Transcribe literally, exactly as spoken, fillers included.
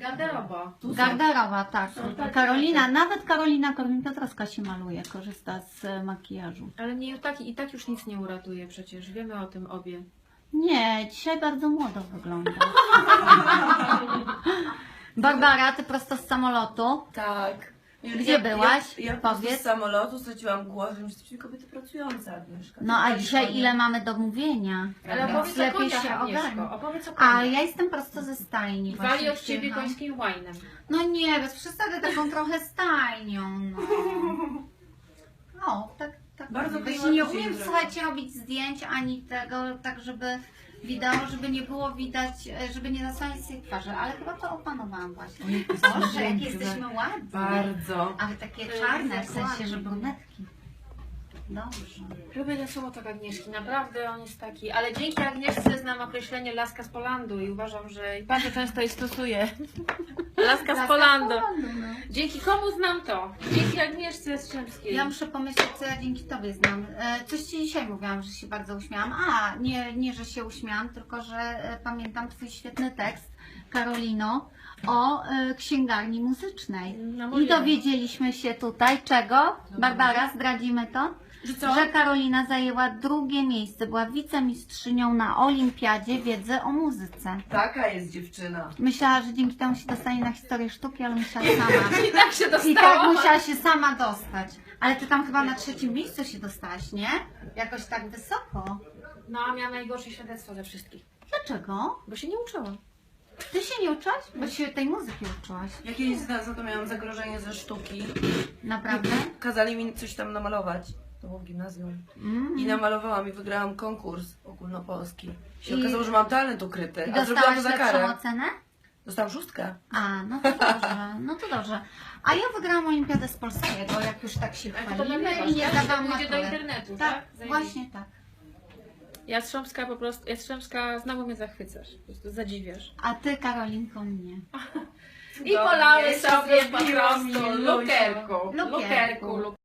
Garderoba. Garderoba, tak. Są takie Karolina, rzeczy. nawet Karolina Korwin-Piotrowska się maluje, korzysta z e, makijażu. Ale mnie i tak, i tak już nic nie uratuje przecież, wiemy o tym obie. Nie, dzisiaj bardzo młodo wygląda. Barbara, ty prosto z samolotu. Tak. Gdzie byłaś? Ja, ja Powiedz. z samolotu straciłam głos, że jesteśmy kobiety pracujące, Agnieszka. No a Tak, dzisiaj koniec. ile mamy do mówienia? Ale Więc opowiedz o lepiej koniach, się Agnieszko, ogarnij. opowiedz o A koniach. ja jestem prosto ze stajni. Wali właśnie od ciebie przyjechałam. końskim łajnem. No nie, bez przesady taką trochę stajnią, no. No, tak, tak. Bardzo Wiesz, klimatycznie nie umiem, zrobione. słuchajcie, robić zdjęć ani tego, tak żeby wideo, żeby nie było widać, e, żeby nie zasłaniać tej twarzy, ale chyba to opanowałam właśnie. Boże, jak jesteśmy ładni. Bardzo. Ale takie czarne, w sensie, że brunetki. Dobrze. Lubię ten słowotok Agnieszki, naprawdę on jest taki. Ale dzięki Agnieszce znam określenie laska z Polandu i uważam, że i bardzo często je stosuję. Laska z Polandu. no. Dzięki komu znam to? Dzięki Agnieszce Strzemskiej. Ja muszę pomyśleć, co ja dzięki Tobie znam. E, Coś Ci dzisiaj mówiłam, że się bardzo uśmiałam. A, nie, nie że się uśmiałam, tylko że e, pamiętam Twój świetny tekst, Karolino, o e, księgarni muzycznej. No, I mówiłam. dowiedzieliśmy się tutaj czego? Barbara, zdradzimy to? Że co? Że Karolina zajęła drugie miejsce, była wicemistrzynią na Olimpiadzie Wiedzy o Muzyce. Taka jest dziewczyna. Myślała, że dzięki temu się dostanie na historię sztuki, ale musiała sama. I tak się I tak dostała. musiała się sama dostać. Ale ty tam chyba na trzecim miejscu się dostałaś, nie? Jakoś tak wysoko. No, a miałam najgorsze świadectwo ze wszystkich. Dlaczego? Bo się nie uczyłam. Ty się nie uczyłaś? Bo się tej muzyki uczyłaś. Ja kiedyś za, za to miałam zagrożenie ze sztuki. Naprawdę? Kazali mi coś tam namalować. To było w gimnazjum. Mm. I namalowałam i wygrałam konkurs ogólnopolski. Się I- okazało, że mam talent ukryty. I A zrobiłam dostałaś to za lepszą karę. ocenę? Dostałam szóstkę. A, no to dobrze, no to dobrze. A ja wygrałam olimpiadę z polskiego, jak już tak się Ale to chwalimy nagrywasz, i nie tak? zdawałam To pójdzie do matury. internetu, Tak, tak? Zajebiście. właśnie tak. Jastrzębska po prostu, Jastrzębska znowu mnie zachwycasz, po prostu zadziwiasz. A ty, Karolinko, mnie. I Dobrze, polały jeszcze sobie po zrobiła mi prostu luźno. lukerku, Lukerku. lukerku, lukerku.